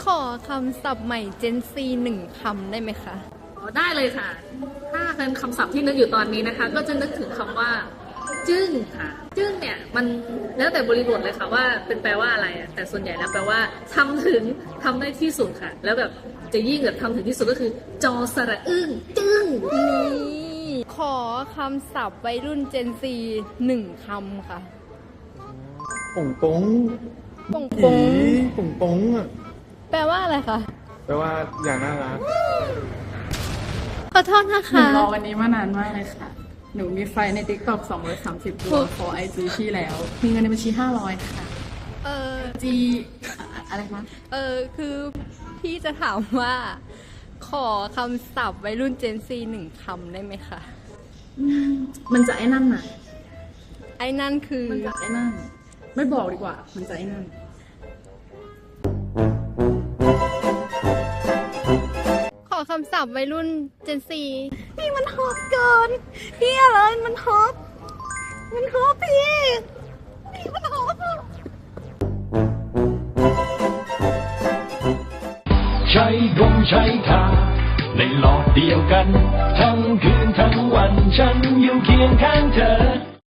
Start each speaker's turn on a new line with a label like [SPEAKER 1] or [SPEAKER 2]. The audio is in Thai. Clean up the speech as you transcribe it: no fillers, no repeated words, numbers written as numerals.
[SPEAKER 1] อคำศัพท์ใหม่ Gen Z 1 คำได้ไหมคะ
[SPEAKER 2] อ๋อได้เลยค่ะ ถ้าเป็นคำศัพท์ที่นึกอยู่ตอนนี้นะคะ ก็จะนึกถึงคำว่า จึ้งค่ะ จึ้งเนี่ยมันแล้วแต่บริบทเลยค่ะว่าเป็นแปลว่าอะไรอะแต่ส่วนใหญ่แล้วแปลว่าทำถึงทำได้ที่สุดค่ะ แล้วแบบจะยิ่งแบบทำถึงที่สุดก็คือจอสระอึ้งจึ้ง
[SPEAKER 1] นี่ขอคำศัพท์วัยรุ่น Gen Z 1 คำค่ะ
[SPEAKER 3] ป่งป้ง
[SPEAKER 1] ป่ง
[SPEAKER 3] ผี
[SPEAKER 1] ป่ง
[SPEAKER 3] ป่งป้งอ่ะ
[SPEAKER 1] แปลว่าอะไรคะ
[SPEAKER 3] แปลว่าอย่างน่ารัก
[SPEAKER 1] ขอโทษนะ
[SPEAKER 4] หนู
[SPEAKER 1] คะ
[SPEAKER 4] รอวันนี้มานานมากเลยค่ะ หนูมีไฟใน TikTok 230 ตัวขอ IG พี่แล้ว มีเงินในบัญชี 500 ค่ะ
[SPEAKER 1] เออ
[SPEAKER 4] G อะไรคะ
[SPEAKER 1] คือพี่จะถามว่า ขอคำศัพท์วัยรุ่น Gen Z 1 คำได้ไหมคะ
[SPEAKER 4] มันจะไอ้นั่นน่ะ
[SPEAKER 1] ไอ้นั่นคือ
[SPEAKER 4] มันจะไอ้นั่น ไม่บอกดีกว่า มันจะไอ้นั่น
[SPEAKER 1] ขอคำศัพท์วัยรุ่น Gen Z พี่มันฮอตเกิน พี่อะไรมันฮอตพี่มันฮอต
[SPEAKER 5] ใช้ดงใช้ทาในหลอดเดียวกัน ทั้งคืนทั้งวันฉันอยู่เคียงข้างเธอ